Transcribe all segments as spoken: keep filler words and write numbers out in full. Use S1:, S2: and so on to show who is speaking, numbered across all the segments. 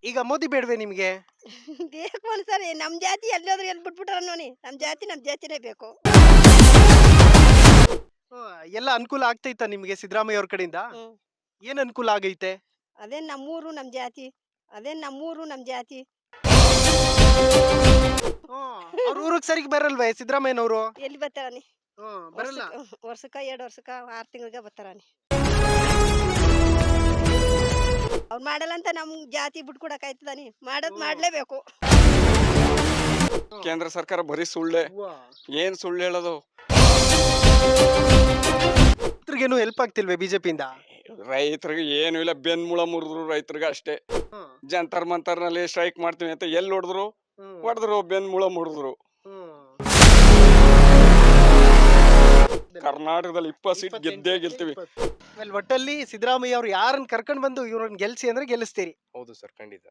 S1: ಈಗ ಮೋದಿ ಬೇಡವೇ ನಿಮ್ಗೆ?
S2: ಬೇಕು ಒಂದ್ಸರಿ ನಮ್ ಜಾತಿ ಎಲ್ಲೋದ್ರು ಎಲ್ಲಿ ಬಿಟ್ಬಿಟ್ರ ನೋಡಿ ನಮ್ ಜಾತಿ ನಮ್ ಜಾತಿನೇ ಬೇಕು.
S1: ಹ್ಮ್, ಎಲ್ಲ ಅನುಕೂಲ ಆಗ್ತೈತಾ ನಿಮ್ಗೆ ಸಿದ್ದರಾಮಯ್ಯ ಅವ್ರ ಕಡೆಯಿಂದ?
S2: ಹ್ಮ್
S1: ಏನ್ ಅನುಕೂಲ ಆಗೈತೆ?
S2: ಅದೇ ನಮ್ಮೂರು ನಮ್ ಜಾತಿ ಅದೇ ನಮ್ಮೂರು ನಮ್ ಜಾತಿ.
S1: ಹ್ಮ್, ಅವ್ರ ಊರಿಗೆ ಸರಿಗೆ ಬರಲ್ವೇ ಸಿದ್ದರಾಮಯ್ಯನವರು?
S2: ಎಲ್ಲಿ ಬರ್ತಾರಾನಿ?
S1: ಹ್ಮ್, ಬರಲ್ಲ.
S2: ವರ್ಷಕ್ಕ ವರ್ಷಕ್ಕ ಎರಡ್ ವರ್ಷಕ್ಕ ಆರ್ ತಿಂಗಳಿಗೆ ಬರ್ತಾರಾನಿ. ಅವ್ರು ಮಾಡಲ್ಲ ಅಂತ ನಮ್ ಜಾತಿ ಬಿಟ್ಕೊಡಕ್ ಆಯ್ತದಾನಿ? ಮಾಡೋದ್ ಮಾಡ್ಲೇಬೇಕು.
S3: ಕೇಂದ್ರ ಸರ್ಕಾರ ಬರೀ ಸುಳ್ಳೆ.
S1: ಅವ್ವ.
S3: ಏನ್ ಸುಳ್ಳು ಹೇಳೋದು?
S1: ರೈತರಿಗೇನು ಹೆಲ್ಪ್ ಆಗ್ತಿಲ್ವೇ ಬಿಜೆಪಿಯಿಂದ?
S3: ರೈತರಿಗೆ ಏನು ಇಲ್ಲ, ಬೆನ್ಮೂಳ ಮುರಿದ್ರು ರೈತರಿಗೆ ಅಷ್ಟೇ.
S1: ಹ್ಮ್,
S3: ಜಂತರ್ ಮಂತರ್ ನಲ್ಲಿ ಸ್ಟ್ರೈಕ್ ಮಾಡ್ತೀವಿ ಅಂತ ಎಲ್ಲಿ ಹೊಡೆದ್ರು
S1: ಹ್ಮ್,
S3: ಹೊಡೆದ್ರು ಬೆನ್ಮೂಳ ಮುರಿದ್ರು.
S1: ಹ್ಮ್.
S3: ಕರ್ನಾಟಕದಲ್ಲಿ ಇಪ್ಪತ್ತು ಸೀಟ್ ಗೆದ್ದೇ ಗೆಲ್ತೀವಿ.
S1: ಆಮೇಲೆ ಒಟ್ಟಲ್ಲಿ ಸಿದ್ದರಾಮಯ್ಯ ಅವ್ರು ಯಾರನ್ನ ಕರ್ಕೊಂಡ್ ಬಂದು ಇವ್ರನ್ನ ಗೆಲ್ಸಿ ಅಂದ್ರೆ ಗೆಲ್ಲಿಸ್ತೀರಿ?
S3: ಹೌದು ಸರ್, ಖಂಡಿತ.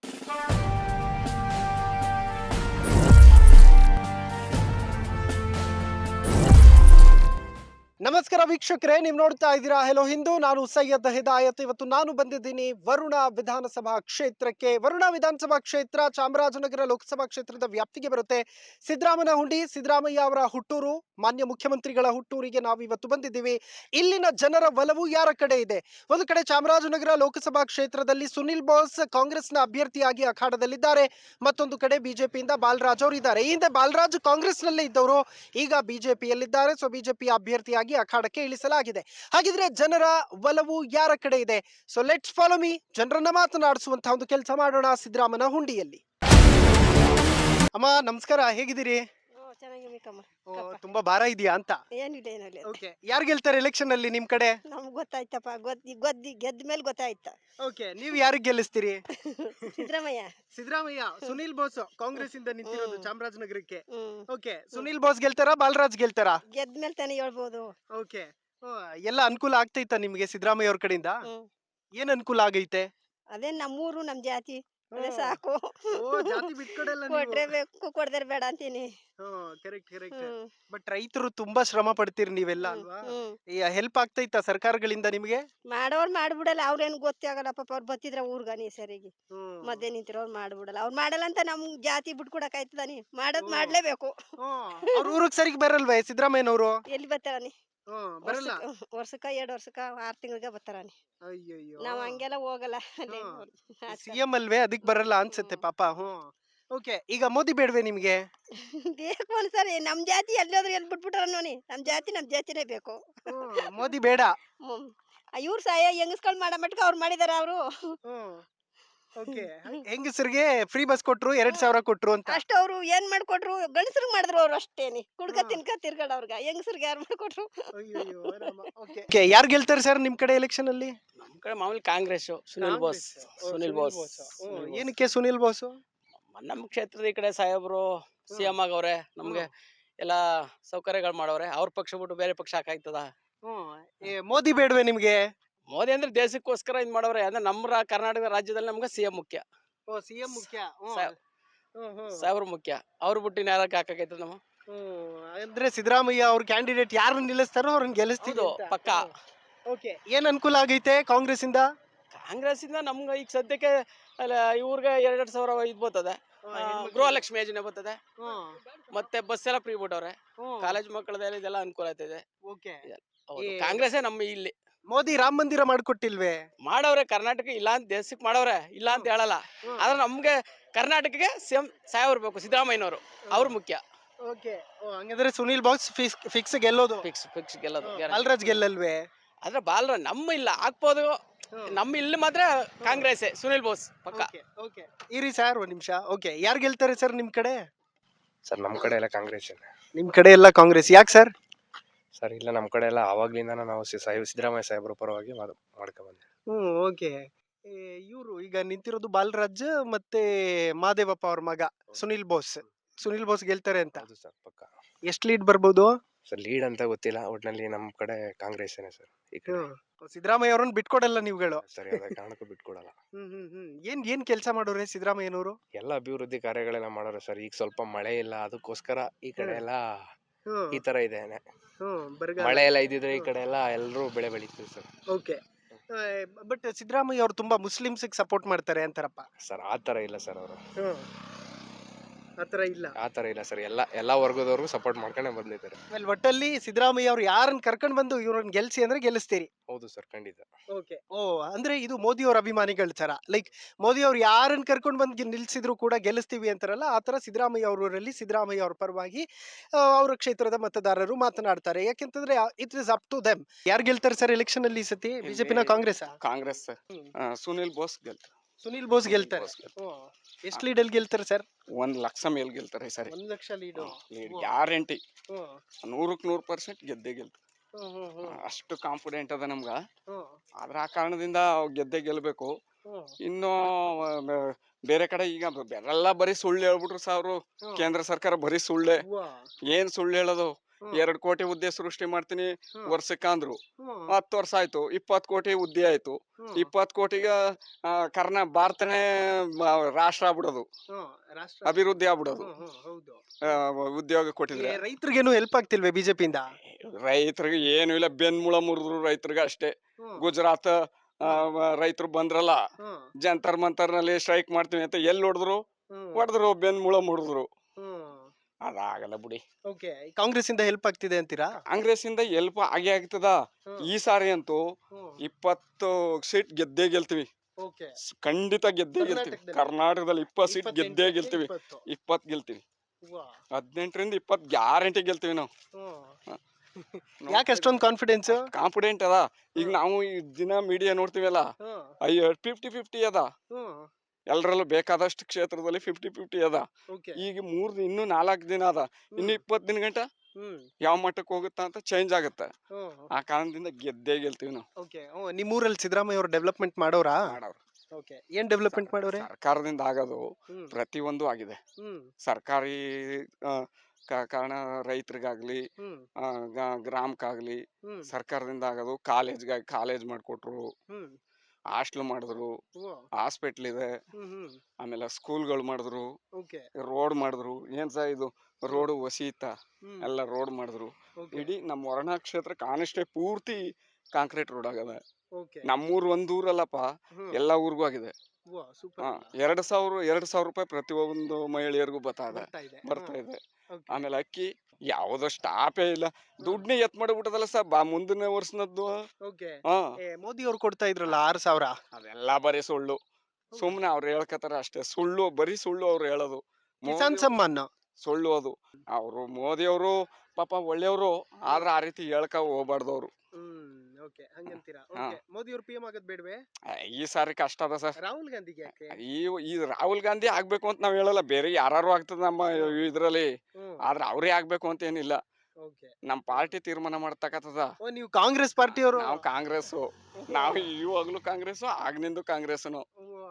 S1: ನಮಸ್ಕಾರ ವೀಕ್ಷಕರೇ, ನೀವು ನೋಡ್ತಾ ಇದ್ದೀರಾ ಹೆಲೋ ಹಿಂದೂ. ನಾನು ಸೈಯದ್ ಹಿದಾಯತ್. ಇವತ್ತು ನಾನು ಬಂದಿದ್ದೀನಿ ವರುಣ ವಿಧಾನಸಭಾ ಕ್ಷೇತ್ರಕ್ಕೆ. ವರುಣ ವಿಧಾನಸಭಾ ಕ್ಷೇತ್ರ ಚಾಮರಾಜನಗರ ಲೋಕಸಭಾ ಕ್ಷೇತ್ರದ ವ್ಯಾಪ್ತಿಗೆ ಬರುತ್ತೆ. ಸಿದ್ದರಾಮನಹುಂಡಿ ಸಿದ್ದರಾಮಯ್ಯ ಅವರ ಹುಟ್ಟೂರು, ಮಾನ್ಯ ಮುಖ್ಯಮಂತ್ರಿಗಳ ಹುಟ್ಟೂರಿಗೆ ನಾವು ಇವತ್ತು ಬಂದಿದ್ದೀವಿ. ಇಲ್ಲಿನ ಜನರ ಒಲವು ಯಾರ ಕಡೆ ಇದೆ? ಒಂದು ಕಡೆ ಚಾಮರಾಜನಗರ ಲೋಕಸಭಾ ಕ್ಷೇತ್ರದಲ್ಲಿ ಸುನಿಲ್ ಬೋಸ್ ಕಾಂಗ್ರೆಸ್ನ ಅಭ್ಯರ್ಥಿಯಾಗಿ ಅಖಾಡದಲ್ಲಿದ್ದಾರೆ. ಮತ್ತೊಂದು ಕಡೆ ಬಿಜೆಪಿಯಿಂದ ಬಾಲರಾಜ್ ಅವರು ಇದ್ದಾರೆ. ಈ ಹಿಂದೆ ಬಾಲರಾಜ್ ಕಾಂಗ್ರೆಸ್ ನಲ್ಲೇ ಇದ್ದವರು, ಈಗ ಬಿಜೆಪಿಯಲ್ಲಿದ್ದಾರೆ. ಸೊ ಬಿಜೆಪಿ ಅಭ್ಯರ್ಥಿಯಾಗಿ ಅಖಾಡಕ್ಕೆ ಇಳಿಸಲಾಗಿದೆ. ಹಾಗಿದ್ರೆ ಜನರ ಒಲವು ಯಾರ ಕಡೆ ಇದೆ? So let's follow me. ಜನರನ್ನ ಮಾತನಾಡಿಸುವಂತಹ ಒಂದು ಕೆಲಸ ಮಾಡೋಣ ಸಿದ್ದರಾಮನಹುಂಡಿಯಲ್ಲಿ. ಅಮ್ಮ ನಮಸ್ಕಾರ, ಹೇಗಿದ್ದೀರಿ?
S2: ಓ ಚೆನ್ನಾಗಿರ್ಬೇಕಮ್ಮ.
S1: ಓ, ತುಂಬಾ ಭಾರ ಇದೆಯಾ ಅಂತ?
S2: ಏನಿಲ್ಲ ಏನಿಲ್ಲ.
S1: ಓಕೆ, ಯಾರು ಗೆಲ್ತಾರೆ ಎಲೆಕ್ಷನ್ ಅಲ್ಲಿ ನಿಮ್ ಕಡೆ?
S2: ನಮ್ಗ್ ಗೊತ್ತಾಯ್ತಪ್ಪ, ಗೊತ್ತಿ ಗೊದ್ದಿ ಗೆದ್ದ ಮೇಲೆ ಗೊತ್ತಾಯ್ತ.
S1: ಓಕೆ, ನೀವು ಯಾರಿಗೆ ಗೆಲ್ಲಿಸ್ತೀರಿ?
S2: ಸಿದ್ದರಾಮಯ್ಯ.
S1: ಸಿದ್ದರಾಮಯ್ಯ. ಸುನಿಲ್ ಬೋಸ್ ಕಾಂಗ್ರೆಸ್ ಇಂದ ನಿಂತಿರೋದು
S2: ಹ್ಮ್.
S1: ಚಾಮರಾಜನಗರಕ್ಕೆ.
S2: ಹ್ಮ್
S1: ಓಕೆ, ಸುನಿಲ್ ಬೋಸ್ ಗೆಲ್ತಾರಾ ಬಾಲರಾಜ್ ಗೆಲ್ತಾರಾ?
S2: ಗೆದ್ದ ಮೇಲೆ ತಾನೇ ಹೇಳ್ಬೋದು.
S1: ಓಕೆ, ಎಲ್ಲ ಅನುಕೂಲ ಆಗ್ತೈತಾ ನಿಮ್ಗೆ ಸಿದ್ದರಾಮಯ್ಯ ಅವ್ರ ಕಡೆಯಿಂದ?
S2: ಹ್ಮ್
S1: ಏನ್ ಅನುಕೂಲ ಆಗೈತೆ?
S2: ಅದೇ ನಮ್ಮೂರು ನಮ್ ಜಾತಿ ಅದೇ
S1: ಹ್ಮ್.
S2: ಸಾಕು.
S1: ಓ, ಜಾತಿ ಬಿಟ್ಕೊಡಲ್ಲ ನೀವು.
S2: ಕೊಟ್ರೆ ಬೇಕು, ಕೊಡ್ದರೆ ಬೇಡ ಅಂತೀನಿ.
S1: Correct correct.
S2: ಹ್ಮ್
S1: ಬಟ್ ರೈತರು ತುಂಬಾ ಶ್ರಮ ಪಡ್ತೀರಿ ನೀವೆಲ್ಲ
S2: ಹ್ಮ್
S1: ಅಲ್ವಾ?
S2: ಹ್ಮ್
S1: ಹೆಲ್ಪ್ ಆಗ್ತೈತಾ ಸರ್ಕಾರಗಳಿಂದ ನಿಮ್ಗೆ?
S2: ಮಾಡೋರ್ ಮಾಡ್ಬಿಡಲ್ಲ, ಅವ್ರೇನ್ ಗೊತ್ತೇ ಆಗಲ್ಲ ಪಾಪ. ಅವ್ರು ಬತ್ತಿದ್ರ ಊರ್ಗಾನಿ ಸರಿಗೆ
S1: ಹ್ಮ್.
S2: ಮಧ್ಯೆ ನಿಂತಿರೋರು ಮಾಡ್ಬಿಡಲ್ಲ. ಅವ್ರು ಮಾಡಲ್ಲ ಅಂತ ನಮ್ ಜಾತಿ ಬಿಟ್ಕೊಡಕ್ ಆಯ್ತದಾನಿ? ಮಾಡೋದ್
S1: ಹ್ಮ್.
S2: ಮಾಡ್ಲೇಬೇಕು.
S1: ಹ್ಮ್. ಅವ್ರ ಊರಿಗೆ ಸರಿಗೆ ಬರಲ್ವೇ ಸಿದ್ದರಾಮಯ್ಯನವರು?
S2: ಎಲ್ಲಿ ಬರ್ತಾರಾನಿ?
S1: ಹ್ಮ್, ಬರಲ್ಲ.
S2: ವರ್ಷಕ್ಕ ವರ್ಷಕ್ಕ ಎರಡ್ ವರ್ಷಕ್ಕ ಆರ್ ತಿಂಗಳಿಗೆ ಬರ್ತಾರಾನಿ.
S1: ಅಯ್ಯಯ್ಯೋ.
S2: ನಾವ್ ಹಂಗೆಲ್ಲ ಹೋಗಲ್ಲ ಅಲ್ಲಿ.
S1: ಸಿಎಂ ಅಲ್ವೇ, ಅದಕ್ ಬರಲ್ಲ ಅನ್ಸುತ್ತೆ ಪಾಪ. ಹ್ಮ್. ಓಕೆ, ಈಗ ಮೋದಿ ಬೇಡವೇ ನಿಮ್ಗೆ?
S2: ಬೇಕು ಒಂದ್ಸರಿ ನಮ್ ಜಾತಿ ಎಲ್ಲೋದ್ರು ಎಲ್ಲಿ ಬಿಟ್ಬಿಟ್ರ ನೋಡಿ ನಮ್ ಜಾತಿ ನಮ್ ಜಾತಿನೇ ಬೇಕು.
S1: ಹ್ಮ್, ಮೋದಿ ಬೇಡ.
S2: ಹ್ಮ್ ಇವ್ರು ಸಹಾಯ ಹೆಂಗಸ್ಗಳು ಮಾಡೋ ಮಟ್ಕ ಅವ್ರು ಮಾಡಿದಾರ ಅವರು.
S1: ಹ್ಮ್. ಓಕೆ, ಹೆಂಗಸರಿಗೆ ಫ್ರೀ ಬಸ್ ಕೊಟ್ರು, ಎರಡ್ ಸಾವಿರ ಕೊಟ್ರು ಅಂತ.
S2: ಅಷ್ಟ ಅವ್ರು ಏನ್ ಮಾಡ್ಕೊಟ್ರು? ಗಂಡಸ್ರಿಗೆ ಮಾಡಿದ್ರು ಅವ್ರು ಅಷ್ಟೇನಿ. ಕುಡ್ಕ
S1: ಹ್ಮ್.
S2: ತಿನ್ಕ ತಿರ್ಗಾಡವ್ರಗ ಹೆಂಗಸ್ರಿಗೆ ಯಾರು ಮಾಡ್ಕೊಟ್ರು?
S1: ಅಯ್ಯಯ್ಯೋ ರಾಮ. ಓಕೆ, ಯಾರು ಗೆಲ್ತಾರೆ ಸರ್ ನಿಮ್ ಕಡೆ ಎಲೆಕ್ಷನ್ ಅಲ್ಲಿ?
S3: ನಮ್ ಕಡೆ ಮಾಮೂಲಿ ಕಾಂಗ್ರೆಸ್. ಸುನಿಲ್ ಬೋಸ್. ಸುನಿಲ್ ಬೋಸ್. ಸುನಿಲ್ ಬೋಸ್.
S1: ಏನಕ್ಕೆ ಸುನಿಲ್ ಬೋಸ್?
S3: ನಮ್ಮ ಕ್ಷೇತ್ರದ ಈ ಕಡೆ ಸಾಹೇಬ್ರು ಸಿಎಂ ಆಗವ್ರೆ, ನಮ್ಗೆ ಎಲ್ಲಾ ಸೌಕರ್ಯಗಳು ಮಾಡವ್ರೆ. ಅವ್ರ ಪಕ್ಷ ಬಿಟ್ಟು ಬೇರೆ ಪಕ್ಷ ಹಾಕಾಯ್ತದ?
S1: ಮೋದಿ ಬೇಡವೇ ನಿಮ್ಗೆ?
S3: ಮೋದಿ ಅಂದ್ರೆ ದೇಶಕ್ಕೋಸ್ಕರ ಇದ್ ಮಾಡವ್ರೆ. ಅಂದ್ರೆ ನಮ್ಮ ರಾ- ಕರ್ನಾಟಕ ರಾಜ್ಯದಲ್ಲಿ ನಮ್ಗೆ ಸಿಎಂ ಮುಖ್ಯ,
S1: ಸಿಎಂ ಮುಖ್ಯ.
S3: ಸಾಹೇಬ್- ಸಾಹೇಬ್ರು ಮುಖ್ಯ. ಅವ್ರು ಬಿಟ್ಟು ಯಾರಕ್ಕೆ ಹಾಕಾಕೈತದ ನಮ್ಮ?
S1: ಅಂದ್ರೆ ಸಿದ್ದರಾಮಯ್ಯ ಅವ್ರ ಕ್ಯಾಂಡಿಡೇಟ್ ಯಾರು ನಿಲ್ಲಿಸ್ತಾರೋ ಅವ್ರನ್ನ ಗೆಲ್ಲಿಸ್ತೀವಿ
S3: ಹೌದು,
S1: ಅಂತ.
S3: ಪಕ್ಕ.
S1: ಓಕೆ, ಏನ್ ಅನುಕೂಲ ಆಗೈತೆ ಕಾಂಗ್ರೆಸ್ ಇಂದ?
S3: ಕಾಂಗ್ರೆಸ್ ಇಂದ ನಮ್ಗೆ ಈಗ ಸದ್ಯಕ್ಕೆ ಅಲ್ಲ ಇವ್ರಿಗೆ ಎರಡೆರಡು ಸಾವಿರ ಇದ್ ಬರ್ತದೆ. ಆ, ಗೃಹಲಕ್ಷ್ಮಿ ಯೋಜನೆ ಬರ್ತದೆ. ಮತ್ತೆ ಬಸ್ ಎಲ್ಲ ಫ್ರೀ ಬಿಟ್ಟವ್ರೆ. ಕಾಲೇಜ್ ಮಕ್ಕಳದೆಲ್ಲ ಇದೆಲ್ಲ ಅನುಕೂಲ ಆಗ್ತದೆ.
S1: ಓಕೆ,
S3: ಹೌದು, ಕಾಂಗ್ರೆಸ್ಸೇ ನಮ್ಮ ಇಲ್ಲಿ.
S1: ಮೋದಿ ರಾಮ ಮಂದಿರ ಮಾಡ್ಕೊಟ್ಟಿಲ್ವೇ?
S3: ಮಾಡವ್ರೆ ಕರ್ನಾಟಕ, ಇಲ್ಲ ಅಂತ ದೇಶಕ್ಕೆ ಮಾಡವ್ರೆ, ಇಲ್ಲ ಅಂತ ಹೇಳಲ್ಲ. ಆದ್ರೆ ನಮ್ಗೆ ಕರ್ನಾಟಕಕ್ಕೆ ಸಿಎಂ ಸಾಹೇಬ್ರು ಬೇಕು, ಸಿದ್ದರಾಮಯ್ಯನವರು. ಅವ್ರು ಮುಖ್ಯ.
S1: ಓಕೆ, ಹಂಗಂದ್ರೆ ಸುನಿಲ್ ಬೋಸ್ ಫಿಕ್ಸ್ ಗೆಲ್ಲೋದು?
S3: ಫಿಕ್ಸ್ ಫಿಕ್ಸ್ ಗೆಲ್ಲೋದು.
S1: ಬಾಲರಾಜ್ ಗೆಲ್ಲಲ್ವೇ?
S3: ಆದ್ರೆ ಬಾಲ್ರ ನಮ್ಮ ಇಲ್ಲ ಹಾಕ್ಬೋದು. ನಮ್ಮ ಇಲ್ಲಿ ಮಾತ್ರ ಕಾಂಗ್ರೆಸ್ ಸುನಿಲ್ ಬೋಸ್ ಪಕ್ಕ.
S1: ಓಕೆ, ಇರಿ ಸರ್ ಒಂದ್ ನಿಮಿಷ. ಓಕೆ, ಯಾರು ಗೆಲ್ತಾರೆ ಸರ್ ನಿಮ್ ಕಡೆ?
S4: ಸರ್ ನಮ್ಮ ಕಡೆ ಎಲ್ಲ ಕಾಂಗ್ರೆಸ್.
S1: ನಿಮ್ ಕಡೆ ಎಲ್ಲ ಕಾಂಗ್ರೆಸ್, ಯಾಕೆ ಸರ್?
S4: ಸರ್ ಇಲ್ಲ, ನಮ್ಮ ಕಡೆ ಎಲ್ಲ ಆವಾಗ್ಲಿಂದ ನಾವು ಸಿ- ಸಾಹೇಬ್ ಸಿದ್ದರಾಮಯ್ಯ ಸಾಹೇಬ್ರ ಪರವಾಗಿ ಮಾಡ್ಕೊಂಡ್ಬಂದೆ.
S1: ಹ್ಮ್. ಓಕೆ, ಇವರು ಈಗ ನಿಂತಿರೋದು ಬಾಲರಾಜ್ ಮತ್ತೆ ಮಾದೇವಪ್ಪ ಅವ್ರ ಮಗ ಸುನಿಲ್ ಬೋಸ್. ಸುನಿಲ್ ಬೋಸ್ ಗೆಲ್ತಾರೆ ಅಂತ.
S4: ಹೌದು ಸರ್, ಪಕ್ಕ.
S1: ಎಷ್ಟ್ ಲೀಡ್ ಬರ್ಬೋದು?
S4: ಸರ್ ಲೀಡ್ ಅಂತ ಗೊತ್ತಿಲ್ಲ, ಒಟ್ನಲ್ಲಿ ನಮ್ಮ ಕಡೆ ಕಾಂಗ್ರೆಸ್ ಸರ್. ಈ ಕಡೆ
S1: ಸಿದ್ದರಾಮಯ್ಯ ಅವ್ರನ್ನ ಬಿಟ್ಕೊಡಲ್ಲ ನೀವುಗಳು?
S4: ಸರ್ ಯಾವುದೇ ಕಾರಣಕ್ಕೂ ಬಿಟ್ಕೊಡಲ್ಲ.
S1: ಹ್ಮ್ ಹ್ಮ್ ಹ್ಮ್ ಏನ್ ಏನ್ ಕೆಲಸ ಮಾಡೋರೆ ಸಿದ್ದರಾಮಯ್ಯನವರು?
S4: ಎಲ್ಲ ಅಭಿವೃದ್ಧಿ ಕಾರ್ಯಗಳೆಲ್ಲ ಮಾಡೋರು ಸರ್. ಈಗ ಸ್ವಲ್ಪ ಮಳೆ ಇಲ್ಲ, ಅದಕ್ಕೋಸ್ಕರ ಈ ಕಡೆ ಎಲ್ಲ
S1: ಹ್ಮ್
S4: ಈ ತರ ಇದೆ.
S1: ಹ್ಮ್ ಬರಗಾಲ.
S4: ಮಳೆ ಎಲ್ಲ ಇದ್ದಿದ್ರೆ ಈ ಕಡೆ ಎಲ್ಲ ಎಲ್ಲರೂ ಬೆಳೆ ಬೆಳಿತೀವಿ ಸರ್.
S1: ಓಕೆ, ಬಟ್ ಸಿದ್ದರಾಮಯ್ಯ ಅವರು ತುಂಬಾ ಮುಸ್ಲಿಮ್ಸ್ ಸಪೋರ್ಟ್ ಮಾಡ್ತಾರೆ ಅಂತಾರಪ್ಪ.
S4: ಸರ್ ಆ ಥರ ಇಲ್ಲ ಸರ್ ಅವರು.
S1: ಆತರ ಇಲ್ಲ.
S4: ಆ ಥರ ಇಲ್ಲ ಸರ್, ಎಲ್ಲ ಎಲ್ಲ ವರ್ಗದವ್ರಿಗೂ ಸಪೋರ್ಟ್ ಮಾಡ್ಕೊಂಡೇ ಬಂದಿದ್ದಾರೆ.
S1: ಆಮೇಲೆ ಒಟ್ಟಲ್ಲಿ ಸಿದ್ದರಾಮಯ್ಯ ಅವ್ರು ಯಾರನ್ನ ಕರ್ಕೊಂಡ್ ಬಂದು ಇವ್ರನ್ನ ಗೆಲ್ಸಿ ಅಂದ್ರೆ ಗೆಲ್ಲಿಸ್ತೀರಿ.
S4: ಹೌದು ಸರ್, ಖಂಡಿತ.
S1: ಓಕೆ. ಓ ಅಂದ್ರೆ ಇದು ಮೋದಿ ಅವ್ರ ಅಭಿಮಾನಿಗಳ ತರ, ಲೈಕ್ ಮೋದಿ ಅವ್ರು ಯಾರನ್ನ ಕರ್ಕೊಂಡ್ ಬಂದು ನಿಲ್ಸಿದ್ರು ಕೂಡ ಗೆಲ್ಲಿಸ್ತೀವಿ ಅಂತಾರಲ್ಲ, ಆ ತರ ಸಿದ್ದರಾಮಯ್ಯ ಅವರಲ್ಲಿ ಸಿದ್ದರಾಮಯ್ಯ ಅವ್ರ ಪರವಾಗಿ ಆ, ಅವ್ರ ಕ್ಷೇತ್ರದ ಮತದಾರರು ಮಾತನಾಡ್ತಾರೆ. ಯಾಕೆಂತಂದ್ರೆ it is up to them. ಯಾರು ಗೆಲ್ತಾರೆ ಸರ್ ಎಲೆಕ್ಷನ್ ಅಲ್ಲಿ ಈ ಸತಿ, ಬಿಜೆಪಿನ ಕಾಂಗ್ರೆಸ್?
S5: ಕಾಂಗ್ರೆಸ್ ಸರ್. ಆ, ಸುನಿಲ್ ಬೋಸ್ ಗೆಲ್ತಾರೆ.
S1: ಸುನಿಲ್ ಬೋಸ್ ಗೆಲ್ತಾರೆ.
S5: ಬೋಸ್ ಗೆಲ್ತಾರೆ.
S1: ಎಷ್ಟು ಲೀಡಲ್ಲಿ ಗೆಲ್ತಾರೆ ಸರ್?
S5: ಒಂದ್ ಲಕ್ಷ ಮೇಲ್ ಗೆಲ್ತಾರೆ ಈ ಸರಿ.
S1: ಒಂದ್ ಲಕ್ಷ ಲೀಡು.
S5: ಗ್ಯಾರಂಟಿ ನೂರಕ್ ನೂರ್ ಪರ್ಸೆಂಟ್ ಗೆದ್ದೇ ಗೆಲ್ತಾರೆ. ಅಷ್ಟು ಕಾನ್ಫಿಡೆಂಟ್ ಅದ ನಮ್ಗ. ಆದ್ರ ಆ ಕಾರಣದಿಂದ ಅವ್ ಗೆದ್ದೇ ಗೆಲ್ಬೇಕು. ಇನ್ನು ಆ, ಬೇರೆ ಕಡೆ ಈಗ ಎಲ್ಲ ಬರೀ ಸುಳ್ಳು ಹೇಳ್ಬಿಟ್ರು ಸಾವ್ರು. ಕೇಂದ್ರ ಸರ್ಕಾರ ಬರೀ ಸುಳ್ಳೆ. ಏನ್ ಸುಳ್ಳು ಹೇಳೋದು? ಎರಡ್ ಕೋಟಿ ಹುದ್ದೆ ಸೃಷ್ಟಿ ಮಾಡ್ತೀನಿ ವರ್ಷಕ್ಕಂದ್ರು. ಹತ್ತು ವರ್ಷ ಆಯ್ತು, ಇಪ್ಪತ್ ಕೋಟಿ ಹುದ್ದೆ ಆಯ್ತು. ಇಪ್ಪತ್ ಕೋಟಿಗ ಆ, ಕರ್ನಾ ಭಾರತನೇ ಮ- ರಾಷ್ಟ್ರ ಆಗ್ಬಿಡೋದು, ಅಭಿವೃದ್ಧಿ ಆಗ್ಬಿಡೋದು. ಆ, ಉದ್ಯೋಗ ಕೊಟ್ಟಿದ್ರೆ
S1: ರೈತರಿಗೇನು ಹೆಲ್ಪ್ ಆಗ್ತಿಲ್ವೇ ಬಿಜೆಪಿಯಿಂದ?
S5: ರೈತರಿಗೆ ಏನು ಇಲ್ಲ, ಬೆನ್ಮೂಳ ಮುರಿದ್ರು ರೈತರಿಗೆ ಅಷ್ಟೇ. ಗುಜರಾತ್ ರೈತರು ಬಂದ್ರಲ್ಲ, ಜಂತರ್ ಮಂತರ್ ನಲ್ಲಿ ಸ್ಟ್ರೈಕ್ ಮಾಡ್ತೀವಿ ಅಂತ ಎಲ್ಲಿ ಹೊಡೆದ್ರು ಹೊಡೆದ್ರು, ಬೆನ್ಮೂಳ ಮುರಿದ್ರು. ಅದಾಗಲ್ಲ ಬಿಡಿ.
S1: ಓಕೆ, ಕಾಂಗ್ರೆಸ್ ಇಂದ ಹೆಲ್ಪ್ ಆಗ್ತಿದೆ ಅಂತೀರಾ?
S5: ಕಾಂಗ್ರೆಸ್ ಇಂದ ಎಲ್ಪ್ ಆಗೇ ಆಗ್ತದ. ಈ ಸಾರಿ ಅಂತೂ ಇಪ್ಪತ್ತು ಸೀಟ್ ಗೆದ್ದೇ ಗೆಲ್ತೀವಿ.
S1: ಓಕೆ,
S5: ಸ್- ಖಂಡಿತ ಗೆದ್ದೇ ಗೆಲ್ತೀವಿ. ಕರ್ನಾಟಕದಲ್ಲಿ ಇಪ್ಪತ್ತು ಸೀಟ್ ಗೆದ್ದೇ ಗೆಲ್ತೀವಿ. ಇಪ್ಪತ್ ಗೆಲ್ತೀವಿ. ಹದಿನೆಂಟರಿಂದ ಇಪ್ಪತ್ ಗ್ಯಾರಂಟಿ ಗೆಲ್ತೀವಿ ನಾವು.
S1: ಯಾಕೆ ಅಷ್ಟೊಂದು ಕಾನ್ಫಿಡೆನ್ಸ್?
S5: ಕಾನ್ಫಿಡೆಂಟ್ ಅದ. ಈಗ ನಾವು ಈ ದಿನ ಮೀಡಿಯಾ ನೋಡ್ತೀವಲ್ಲ, ಅಯ್ಯೋ ಫಿಫ್ಟಿ ಫಿಫ್ಟಿ ಅದ. ಎಲ್ರಲ್ಲೂ ಬೇಕಾದಷ್ಟು ಕ್ಷೇತ್ರದಲ್ಲಿ ಫಿಫ್ಟಿ ಫಿಫ್ಟಿ ಅದ. ಈಗ ಮೂರ್ ಇನ್ನು ನಾಲ್ಕು ದಿನ ಅದ, ಇನ್ನು ಇಪ್ಪತ್ ದಿನ ಗಂಟ ಯಾವ ಮಟ್ಟಕ್ಕೆ ಹೋಗುತ್ತಾ ಅಂತ ಚೇಂಜ್ ಆಗುತ್ತೆ. ಆ ಕಾರಣದಿಂದ ಗೆದ್ದೇ ಗೆಲ್ತೀವಿ ನಾವು.
S1: ಓಕೆ. ನಿಮ್ಮೂರಲ್ಲಿ ಸಿದ್ದರಾಮಯ್ಯ ಅವರು ಡೆವಲಪ್ಮೆಂಟ್ ಮಾಡೋರಾ?
S5: ಮಾಡೋರು.
S1: ಓಕೆ, ಏನ್ ಡೆವಲಪ್ಮೆಂಟ್ ಮಾಡೋರೆ?
S5: ಸರ್ಕಾರದಿಂದ ಆಗೋದು ಪ್ರತಿಯೊಂದು ಆಗಿದೆ. ಸರ್ಕಾರಿ ಆ, ಕ- ಕಾರಣ ರೈತರಿಗಾಗ್ಲಿ, ಆ, ಗ- ಗ್ರಾಮಕ್ಕಾಗ್ಲಿ ಸರ್ಕಾರದಿಂದ ಆಗೋದು. ಕಾಲೇಜ್ಗಾಗಿ ಕಾಲೇಜ್ ಮಾಡ್ಕೊಟ್ರು, ಹಾಸ್ಟ್ಲ್ ಮಾಡಿದ್ರು, ಹಾಸ್ಪಿಟ್ಲ್ ಇದೆ, ಆಮೇಲೆ ಸ್ಕೂಲ್ಗಳು ಮಾಡಿದ್ರು, ರೋಡ್ ಮಾಡಿದ್ರು. ಏನ್ ಸಹ ಇದು ರೋಡ್ ವಸೀತ ಎಲ್ಲ ರೋಡ್ ಮಾಡಿದ್ರು. ಇಡೀ ನಮ್ಮ ವರ್ಣ ಕ್ಷೇತ್ರಕ್ಕೆ ಆನೆಸ್ಟೇ ಪೂರ್ತಿ ಕಾಂಕ್ರೀಟ್ ರೋಡ್ ಆಗದ. ನಮ್ಮೂರ್ ಒಂದ್ ಊರಲ್ಲಪ್ಪ, ಎಲ್ಲಾ ಊರ್ಗೂ ಆಗಿದೆ. ಹಾ, ಎರಡ್ ಸಾವಿರ ಎರಡ್ ಸಾವಿರ ರೂಪಾಯಿ ಪ್ರತಿ ಒಂದು ಮಹಿಳೆಯರಿಗೂ ಬರ್ತಾ ಇದೆ ಬರ್ತಾ ಇದೆ. ಆಮೇಲೆ ಅಕ್ಕಿ ಯಾವ್ದೋ ಸ್ಟಾಪೇ ಇಲ್ಲ. ದುಡ್ಡನ್ನೇ ಎತ್ ಮಾಡಿಬಿಟ್ಟದಲ್ಲ ಸರ್, ಬಾ ಮುಂದಿನ ವರ್ಷನದ್ದು. ಹಾ,
S1: ಮೋದಿ ಅವ್ರು ಕೊಡ್ತಾ ಇದ್ರಲ್ಲ ಆರು ಸಾವಿರ,
S5: ಅದೆಲ್ಲ ಬರೀ ಸುಳ್ಳು. ಸುಮ್ನೆ ಅವ್ರು ಹೇಳ್ಕತಾರ ಅಷ್ಟೇ. ಸುಳ್ಳು, ಬರೀ ಸುಳ್ಳು ಅವ್ರು ಹೇಳೋದು.
S1: ಕಿಸಾನ್ ಸಮ್ಮಾನ್
S5: ಸುಳ್ಳು ಅದು. ಅವರು ಮೋದಿ ಅವರು ಪಾಪ ಒಳ್ಳೆಯವರು, ಆದ್ರೆ ಆ ರೀತಿ ಹೇಳ್ಕ ಹೋಗ್ಬಾರ್ದವ್ರು.
S1: ಮೋದಿ ಅವ್ರು ಪಿ ಎಂ ಆಗೋದ್ ಬೇಡವೇ?
S5: ಈ ಸಾರಿ ಕಷ್ಟ ಅದ ಸರ್.
S1: ರಾಹುಲ್ ಗಾಂಧಿಗೆ ಯಾಕೆ?
S5: ಈ ಈ ರಾಹುಲ್ ಗಾಂಧಿ ಆಗ್ಬೇಕು ಅಂತ ನಾವ್ ಹೇಳಲ್ಲ, ಬೇರೆ ಯಾರು ಆಗ್ತದ ನಮ್ಮ ಇದ್ರಲ್ಲಿ. ಆದ್ರೆ ಅವ್ರೇ ಆಗ್ಬೇಕು ಅಂತ ಏನಿಲ್ಲ, ನಮ್ ಪಾರ್ಟಿ ತೀರ್ಮಾನ ಮಾಡ್ತಕ್ಕಂಥದ.
S1: ನೀವು ಕಾಂಗ್ರೆಸ್ ಪಾರ್ಟಿ ಅವರು?
S5: ನಾವು ಕಾಂಗ್ರೆಸ್, ನಾವು ಇವಾಗ್ಲೂ ಕಾಂಗ್ರೆಸ್, ಆಗ್ನಿಂದು ಕಾಂಗ್ರೆಸ್ನು.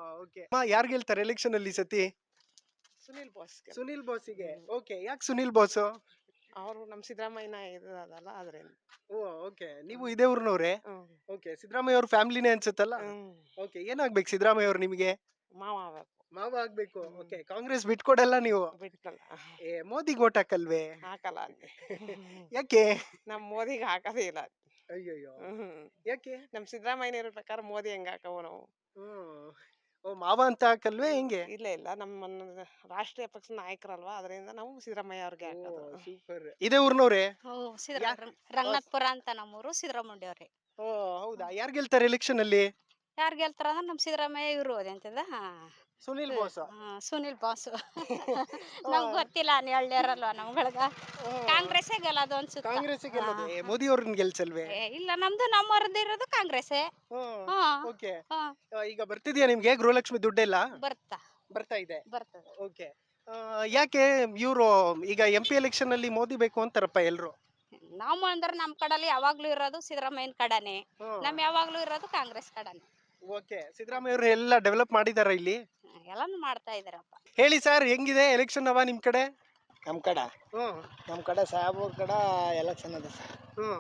S1: ಯಾರು ಗೆಲ್ತಾರೆ ಎಲೆಕ್ಷನ್ ಅಲ್ಲಿ ಈ ಸತಿ?
S3: ಸುನಿಲ್ ಬೋಸ್
S1: ಸುನಿಲ್ ಬೋಸಿಗೆ. ಓಕೆ, ಯಾಕೆ ಸುನಿಲ್ ಬೋಸ್?
S3: ಅವರು ನಮ್ ಸಿದ್ದರಾಮಯ್ಯನ ಇದಲ್ಲ ಆದ್ರಿಂದ.
S1: Oh, okay. ನೀವು ಇದೇ ಊರ್ನವ್ರೆ? ಓಕೆ, ಸಿದ್ದರಾಮಯ್ಯ ಅವ್ರ ಫ್ಯಾಮಿಲಿನೇ ಅನ್ಸುತ್ತಲ್ಲ? ಓಕೆ, ಏನಾಗ್ಬೇಕು ಸಿದ್ದರಾಮಯ್ಯ ಅವ್ರು ನಿಮಗೆ?
S3: ಮಾವ ಆಗ್ಬೇಕು.
S1: ಮಾವ ಆಗ್ಬೇಕು. ಓಕೆ, ಕಾಂಗ್ರೆಸ್ ಬಿಟ್ಕೊಡಲ್ಲ ನೀವು?
S3: ಬಿಟ್ಕಲ್ಲ,
S1: ಏ ಮೋದಿಗೆ ಓಟ್ ಹಾಕಲ್ವೇ?
S3: ಹಾಕಲ್ಲ ಅಲ್ಲಿ.
S1: ಯಾಕೆ?
S3: ನಮ್ ಮೋದಿಗೆ ಹಾಕದೇ ಇಲ್ಲ.
S1: ಅಯ್ಯಯ್ಯೋ, ಯಾಕೆ?
S3: ನಮ್ ಸಿದ್ದರಾಮಯ್ಯ ಇರೋ ಪ್ರಕಾರ ಮೋದಿ ಹೆಂಗ್ ಹಾಕವು ನಾವು?
S1: ಹ್ಮ್. ಓ, ಮಾವ ಅಂತ ಹಾಕಲ್ವೇ? ಹೆಂಗೆ?
S3: ಇಲ್ಲ ಇಲ್ಲ, ನಮ್ಮ ರಾಷ್ಟ್ರೀಯ ಪಕ್ಷದ ನಾಯಕರಲ್ವಾ, ಅದರಿಂದ ನಾವು ಸಿದ್ದರಾಮಯ್ಯ ಅವ್ರಿಗೆ ಹಾಕೋದು.
S1: ಸೂಪರ್. ಇದೇ ಊರ್ನವ್ರೆ?
S2: ರಂಗನಾಥ್ಪುರ ಅಂತ ನಮ್ಮೂರು, ಸಿದ್ದರಾಮಯ್ಯ ಅವ್ರೆ.
S1: ಓ, ಹೌದಾ? ಯಾರು ಗೆಲ್ತಾರೆ ಎಲೆಕ್ಷನ್ ಅಲ್ಲಿ?
S2: ಯಾರು ಗೆಲ್ತಾರ ಅಂದ್ರೆ ನಮ್ ಸಿದ್ದರಾಮಯ್ಯ ಇವರು ಅದಂತದ
S1: ಸುನಿಲ್ ಬೋಸ್.
S2: ಸುನಿಲ್ ಬಾಸು. ನಮ್ಗೆ ಗೊತ್ತಿಲ್ಲ, ನೀ ಹೇಳ್ಯಾರಲ್ವಾ ನಮ್ಗಳ್ಗ. ಕಾಂಗ್ರೆಸ್ ಗೆಲ್ಲೋದು ಅನ್ಸುತ್ತೆ.
S1: ಕಾಂಗ್ರೆಸ್ ಗೆಲ್ಲೋದು. ಏ, ಮೋದಿ ಅವ್ರನ್ನ ಗೆಲ್ಸಲ್ವೇ?
S2: ಏ, ಇಲ್ಲ, ನಮ್ದು ನಮ್ಮವ್ರದ್ದು ಇರೋದು ಕಾಂಗ್ರೆಸ್ಸೇ. ಹಾ,
S1: ಓಕೆ.
S2: ಹಾ,
S1: ಈಗ ಬರ್ತಿದ್ಯಾ ನಿಮ್ಗೆ ಗೃಹಲಕ್ಷ್ಮಿ ದುಡ್ಡೆಲ್ಲ?
S2: ಬರ್ತಾ
S1: ಬರ್ತಾ ಇದೆ.
S2: ಬರ್ತದೆ.
S1: ಓಕೆ. ಯಾಕೆ ಇವರು ಈಗ ಎಂ ಪಿ ಎಲೆಕ್ಷನ್ ಅಲ್ಲಿ ಮೋದಿ ಬೇಕು ಅಂತಾರಪ್ಪ ಎಲ್ರು?
S2: ನಾವು ಅಂದ್ರೆ ನಮ್ ಕಡಲ್ಲಿ ಯಾವಾಗ್ಲೂ ಇರೋದು ಸಿದ್ದರಾಮಯ್ಯನ ಕಡನೆ, ನಮ್ ಯಾವಾಗ್ಲೂ ಇರೋದು ಕಾಂಗ್ರೆಸ್ ಕಡನೆ.
S1: ಓಕೆ, ಸಿದ್ದರಾಮಯ್ಯ ಅವರು ಎಲ್ಲ ಡೆವಲಪ್ ಮಾಡಿದಾರ ಇಲ್ಲಿ?
S2: ಎಲ್ಲಾನು ಮಾಡ್ತಾ ಇದಾರಪ್ಪ.
S1: ಹೇಳಿ ಸರ್, ಹೆಂಗಿದೆ ಎಲೆಕ್ಷನ್ ಅವ ನಿಮ್ ಕಡೆ?
S6: ನಮ್ ಕಡೆ ನಮ್ ಕಡೆ ಸಾಹೇಬ್ರ ಕಡೆ ಎಲೆಕ್ಷನ್ ಅದ ಸರ್.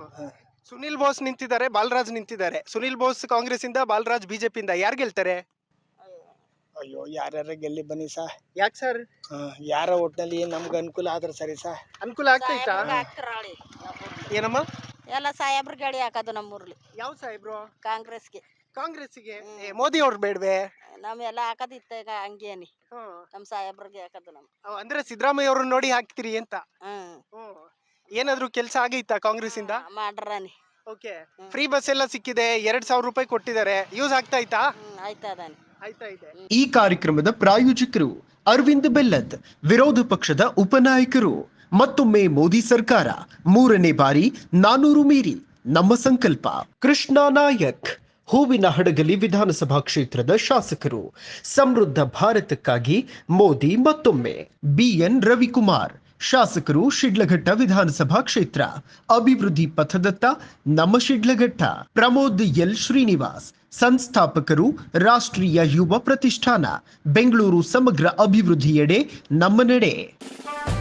S1: ಸುನಿಲ್ ಬೋಸ್ ನಿಂತಿದ್ದಾರೆ, ಬಾಲರಾಜ್ ನಿಂತಿದ್ದಾರೆ. ಸುನಿಲ್ ಬೋಸ್ ಕಾಂಗ್ರೆಸ್ ಇಂದ, ಬಾಲರಾಜ್ ಬಿಜೆಪಿ ಇಂದ. ಯಾರು ಗೆಲ್ತಾರೆ?
S6: ಅಯ್ಯೋ, ಯಾರ್ಯಾರ ಗೆಲ್ಲಿ ಬನ್ನಿ ಸರ್.
S1: ಯಾಕೆ ಸರ್?
S6: ಯಾರ ಒಟ್ಟಿನಲ್ಲಿ ನಮ್ಗೆ ಅನುಕೂಲ ಆದ್ರೆ ಸರಿ ಸರ್.
S1: ಅನುಕೂಲ ಆಗ್ತೈತಾ? ಏನಮ್ಮ?
S2: ಎಲ್ಲ ಸಾಹೇಬ್ರ ಗಾಡಿ ಹಾಕೋದು ನಮ್ಮೂರ್ಲಿ.
S1: ಯಾವ ಸಾಹೇಬ್ರು?
S2: ಕಾಂಗ್ರೆಸ್ಗೆ.
S1: ಕಾಂಗ್ರೆಸ್ಸಿಗೆ ಏ, ಮೋದಿ ಅವ್ರು ಬೇಡ್ವೆ?
S7: ನಾವೆಲ್ಲ ಹಾಕದಿತ್ತ ಈಗ ಹಂಗೇನಿ ನಮ್ ಸಾಹೇಬ್ರಿಗೆ ಹಾಕದು ನಮ್
S1: ಅವ್ ಅಂದ್ರೆ ಸಿದ್ದರಾಮಯ್ಯ ಅವ್ರನ್ನ ನೋಡಿ ಹಾಕ್ತಿರಿ ಅಂತ.
S7: ಹ್ಮ್
S1: ಏನಾದ್ರು ಕೆಲಸ ಆಗೈತಾ ಕಾಂಗ್ರೆಸ್ ಇಂದ?
S7: ಮಾಡ್ರಾನಿ
S1: ಓಕೆ. ಫ್ರೀ ಬಸ್ ಎಲ್ಲ ಸಿಕ್ಕಿದೆ, ಎರಡ್ ಸಾವಿರ ರೂಪಾಯಿ ಕೊಟ್ಟಿದ್ದಾರೆ, ಯೂಸ್ ಆಗ್ತಾ ಐತಾ?
S7: ಹ್ಮ್ ಆಯ್ತದಾನಿ
S1: ಆಯ್ತಾ ಇದೆ.
S8: ಈ ಕಾರ್ಯಕ್ರಮದ ಪ್ರಾಯೋಜಕರು ಅರವಿಂದ್ ಬೆಲ್ಲದ್, ವಿರೋಧ ಪಕ್ಷದ ಉಪನಾಯಕರು. ಮತ್ತೊಮ್ಮೆ ಮೋದಿ ಸರ್ಕಾರ ಮೂರನೇ ಬಾರಿ ನಾನೂರು ಮೀರಿ ನಮ್ಮ ಸಂಕಲ್ಪ. ಕೃಷ್ಣ ನಾಯಕ್, ಹೂವಿನ ಹಡಗಲಿ ವಿಧಾನಸಭಾ ಕ್ಷೇತ್ರದ ಶಾಸಕರು. ಸಮೃದ್ಧ ಭಾರತಕ್ಕಾಗಿ ಮೋದಿ ಮತ್ತೊಮ್ಮೆ. ಬಿಎನ್ ರವಿಕುಮಾರ್, ಶಾಸಕರು, ಶಿಡ್ಲಘಟ್ಟ ವಿಧಾನಸಭಾ ಕ್ಷೇತ್ರ. ಅಭಿವೃದ್ಧಿ ಪಥದತ್ತ ನಮ್ಮ ಶಿಡ್ಲಘಟ್ಟ. ಪ್ರಮೋದ್ ಎಲ್ ಶ್ರೀನಿವಾಸ್, ಸಂಸ್ಥಾಪಕರು, ರಾಷ್ಟ್ರೀಯ ಯುವ ಪ್ರತಿಷ್ಠಾನ. ಬೆಂಗಳೂರು ಸಮಗ್ರ ಅಭಿವೃದ್ಧಿಯೆಡೆ ನಮ್ಮ ನಡೆ.